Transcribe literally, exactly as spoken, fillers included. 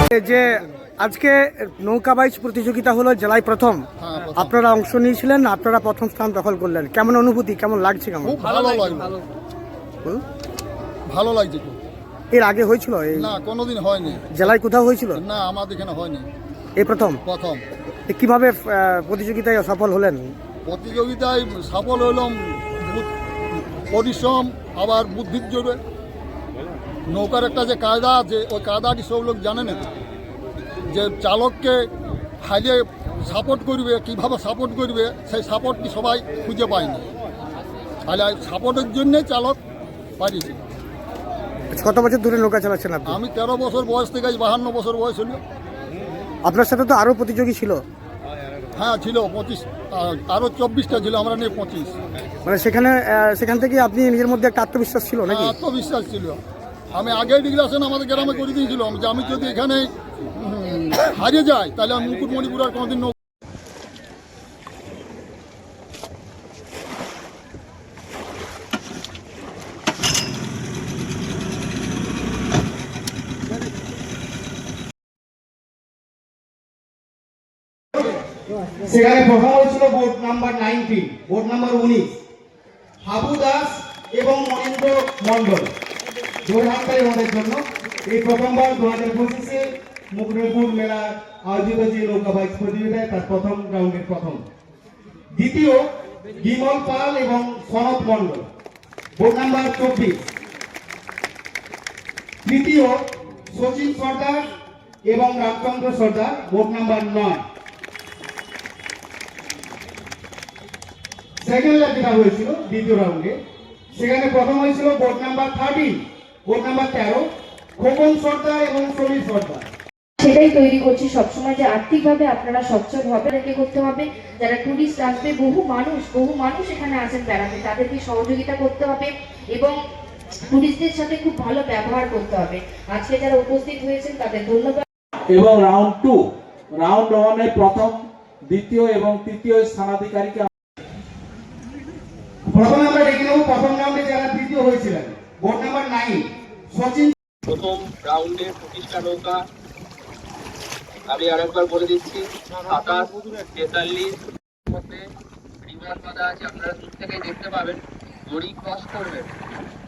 যে আজকে নৌকা বাইচ প্রতিযোগিতা হলো জেলায় প্রথম, আপনারা অংশ নিয়েছিলেন, আপনারা প্রথম স্থান দখল করলেন, কেমন অনুভূতি, কেমন লাগছে? কেমন? ভালো লাগলো, ভালো লাগছে। এর আগে হয়েছিল? না, কোনোদিন হয়নি। জেলায় কোথাও হয়েছিল? না, আমাদের এখানে হয়নি, এই প্রথম। প্রথম। কিভাবে প্রতিযোগিতায় সফল হলেন? প্রতিযোগিতায় সফল হলাম পরিশ্রম, আবার বুদ্ধির জোরে। নৌকার একটা যে কায়দা আছে, ওই কায়দাটি সব লোক জানে না, যে চালককে হাইলে সাপোর্ট করবে, কিভাবে সাপোর্ট করবে, সেই সাপোর্টটি সবাই খুঁজে পায়নি। তাহলে সাপোর্টের জন্যে চালক পারিয়েছে। কত বছর ধরে নৌকা চালাচ্ছেন আপনি? আমি তেরো বছর বয়স থেকে বাহান্ন বছর বয়স হলো। আপনার সাথে তো আরও প্রতিযোগী ছিল? হ্যাঁ ছিল, পঁচিশ, আরও চব্বিশটা ছিল, আমরা নিয়ে পঁচিশ। মানে সেখানে সেখান থেকে আপনি নিজের মধ্যে একটা আত্মবিশ্বাস ছিল নাকি? আত্মবিশ্বাস ছিল। আমি আগেই ডিক্লারেশন আমাদের গ্রামে করে দিয়েছিলাম যে আমি যদি এখানে হারিয়ে যাই তাহলে আমি মুকুটমণিপুর আর কোনোদিন নৌকা। সেখানে প্রথম হয়েছিল board number nineteen, board number উনিশ, হাবু দাস এবং মহেন্দ্র মন্ডল। জোরহাটকারী ওদের জন্য এই প্রথমবার দু হাজার পঁচিশে মুকুটমণিপুর মেলা আয়োজিত যে নৌকা বাইচ প্রতিযোগিতায় তার প্রথম রাউন্ডের প্রথম। দ্বিতীয় বিমল পাল এবং সনদ মন্ডল, বোর্ড নাম্বার চব্বিশ। তৃতীয় সচিন সর্দার এবং রামচন্দ্র সর্দার, বোর্ড নাম্বার নয়। সেকেন্ড ল্যাব যেটা হয়েছিল দ্বিতীয় রাউন্ডে, সেখানে প্রথম হয়েছিল board number thirteen, board number তেরো, খোকন সর্দার এবং সমীর সর্দার। সেটাই তৈরি করছি সবসময়, যে আর্থিকভাবে আপনারা সচ্ছল হবে, রেখে করতে হবে। যারা টুরিস্ট আসবে, বহু মানুষ বহু মানুষ এখানে আসেন বেড়াতে, তাদেরকে সহযোগিতা করতে হবে এবং টুরিস্টদের সাথে খুব ভালো ব্যবহার করতে হবে। আজকে যারা উপস্থিত হয়েছেন তাদের ধন্যবাদ। এবং রাউন্ড টু, রাউন্ড ওয়ানে প্রথম, দ্বিতীয় এবং তৃতীয় স্থানাধিকারীকে প্রথমে আমরা দেখে নেব প্রথম রাউন্ডে যারা তৃতীয় হয়েছিলেন, বোর্ড নাম্বার নাইন সচিন। প্রথম রাউন্ডে পঁচিশটা নৌকা, আমি আরেকবার বলে দিচ্ছি, সাতাশ, তেতাল্লিশ মধ্যে রিভার বাঁধা আছে, আপনারা দূর থেকে দেখতে পাবেন। দড়ি ক্রস করবেন,